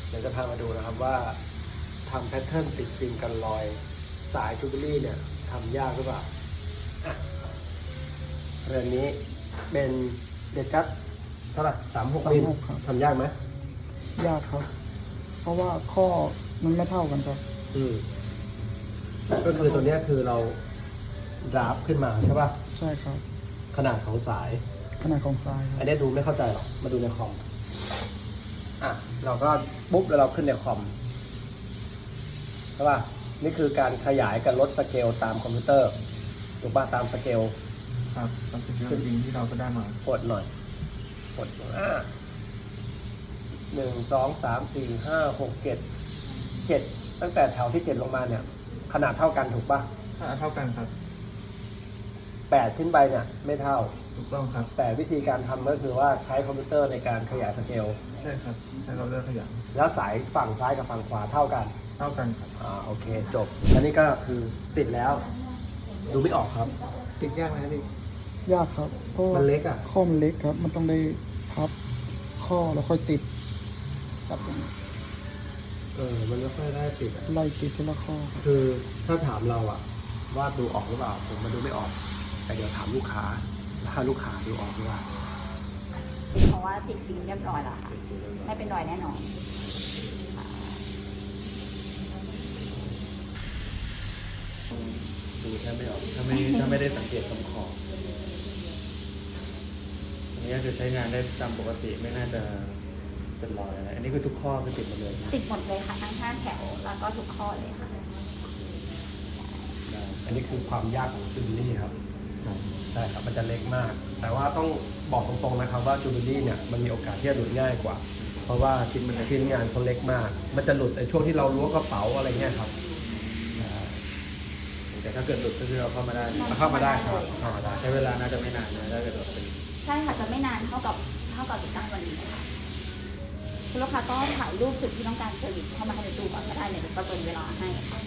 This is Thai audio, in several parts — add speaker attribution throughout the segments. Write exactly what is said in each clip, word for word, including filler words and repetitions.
Speaker 1: เดี๋ยวจะพามาดูนะครับว่าทำแพทเทิร์นติดฟิล์มกันรอยสายจูเบลี่เนี่ยทำยากหรือเปล่าอ่ะเรื่องนี้เป็นเดจัดเท่าไหร่สามหกมิลทำยากไหม
Speaker 2: ยากครับ เพราะว่าข้อมันไม่เท่ากันครับ
Speaker 1: อืมก็คือตัวนี้คือเราดราฟขึ้นมาใช่ป่ะ
Speaker 2: ใช่ครับ
Speaker 1: ขนาดของสาย
Speaker 2: ขนาดของสาย
Speaker 1: อันนี้ดูไม่เข้าใจหรอกมาดูในคอมอ่ะเราก็ปุ๊บแล้วเราขึ้นในคอมใช่ป่ะนี่คือการขยายกับลดสเกลตามคอมพิวเตอร์ถูกป่ะตามสเกล
Speaker 2: ครับตามสเกลจริงที่เราก็ได้มาก
Speaker 1: ดหน่อยกดอ่าหนึ่งสองสามสี่ห้าหกเจ็ดเจ็ดตั้งแต่แถวที่เจ็ดลงมาเนี่ยขนาดเท่ากันถูกป่ะ
Speaker 2: ขนาดเท่ากันครับ
Speaker 1: แปดขึ้นไปเนี่ยไม่เท่า
Speaker 2: ถูกต้องครับ
Speaker 1: แต่วิธีการทำก็คือว่าใช้คอมพิวเตอร์ในการขยายสเกล
Speaker 2: ใช่ครับใช้เราเลือกขยาย
Speaker 1: แล้วสายฝั่งซ้ายกับฝั่งขวาเท่ากัน
Speaker 2: เท่ากันครับ
Speaker 1: อ่าโอเคจบอันนี้ก็คือติดแล้วดูไม่ออกครับ
Speaker 2: ติดยากไหมพี่ยากครับเพราะ
Speaker 1: มันเล็กอ่ะ
Speaker 2: ข้อมันเล็กครับมันต้องได้พับข้อแล้วค่อยติดแบบนี้
Speaker 1: เออมันไม่ค่อยได้ติด
Speaker 2: ไล่ติดทีละข้อ
Speaker 1: คือถ้าถามเราอะว่าดูออกหรือเปล่าผมมันดูไม่ออกแต่เดี๋ยวถามลูกค้าถ้าลูกค้าดูออกหรือเปล่า
Speaker 3: เพราะว่าติดฟิล์มเรียบร้อยแล้วค่ะไม่เป็นรอยแน่นอน
Speaker 4: ดูแทบไม่ออกถ้าไม่ถ้าไม่ได้สังเกตตรงขอบอันนี้จะใช้งานได้ตามปกติไม่น่าจะเป็นรอยอะไรอันนี้คือทุกข้อคือติดหมดเลย
Speaker 3: ติดหมดเลยค่ะทั้งห้าแถวแล้วก็ทุกข้อเลยค่ะ
Speaker 1: อันนี้คือความยากของจูเบลี่ครับใช่ครับมันจะเล็กมากแต่ว่าต้องบอกตรงๆนะครับว่าจูเบลี่เนี่ยมันมีโอกาสที่จะหลุดง่ายกว่าเพราะว่าชิ้นมันชิ้นงานเขาเล็กมากมันจะหลุดในช่วงที่เราล้วงกระเป๋าอะไรเงี้ยครับ
Speaker 4: แต่ถ้าเกิดหลุดก็คือเอาเข้ามาได้
Speaker 1: เข้ามาได้ครับเข้ามาได้
Speaker 4: ใช้เวลาน่าจะไม่นานนะถ้าเกิดหลุดเป็น
Speaker 3: ใช่ค่ะจะไม่นานเท่ากับเท่ากับติดตั้งวันนี้ค่ะคุณลูกค้าก็ถ่ายรูปจุดที่ต้องการเซอร์วิสเข้ามาให้ในตู้ก่อนก็ได้เนี่ยเดี๋ยวประเมินเวลาให้ค่ะ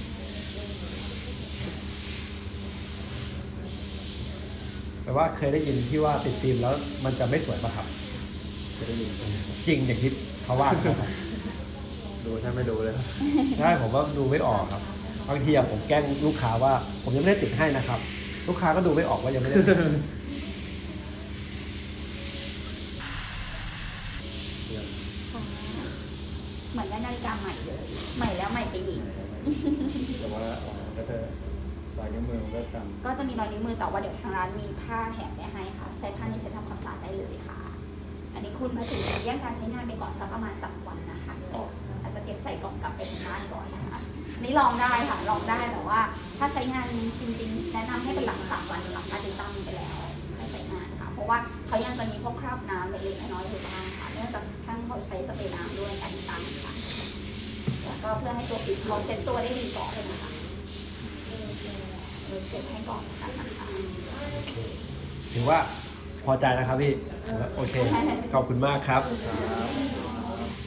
Speaker 1: แต่ว่าเคยได้ยินที่ว่าติดฟิล์มแล้วมันจะไม่สวยป่ะครับ
Speaker 4: เคยได้ยิน
Speaker 1: จริงอย่างที่เขาว่าครับ
Speaker 4: ดูถ้าไม่ดูเลย
Speaker 1: ใช่ผมว่าดูไม่ออกครับบางทีผมแกล้งลูกค้าว่าผมยังไม่ได้ติดให้นะครับลูกค้าก็ดูไม่ออกว่ายังไม่ได้
Speaker 3: เหมือนได้นาฬิกาใหม่เลยใหม่แล้วใหม่ไปอีก
Speaker 4: แต่ว่าก็จะรอยนิ้วมือมันก็ตาม
Speaker 3: ก็จะมีรอยนิ้วมือแต่ว่าเดี๋ยวทางร้านมีผ้าแถมไปให้ค่ะใช้ผ้านี้ใช้ทำความสะอาดได้เลยค่ะอันนี้คุณมาถึงแยกการใช้งานไปก่อนสักประมาณสามวันนะคะอาจจะเก็บใส่กล่องกลับไปที่บ้านก่อนนะคะนี่ลองได้ค่ะลองได้แต่ว่าถ้าใช้งานจริงๆแนะนำให้เป็นหลังสามวันหลังการติดตั้งไปแล้วให้ใช้งานค่ะเพราะว่าเขายังจะมีพวกคราบน้ำเล็กๆน้อยๆอยู่บ้างค่ะเนื่องจากช่างเขาใช้สเปรย์น้ำด้วยการติดตั้งค่ะแล้วก็เพื่อให้ตัวปิดเขาเซ็ตตัวได้ดีก่อนเลยนะคะเก็บให้ก่อนค่ะนะคะ
Speaker 1: ถือว่าพอใจนะครับพี่โอเคขอบคุณมากครับ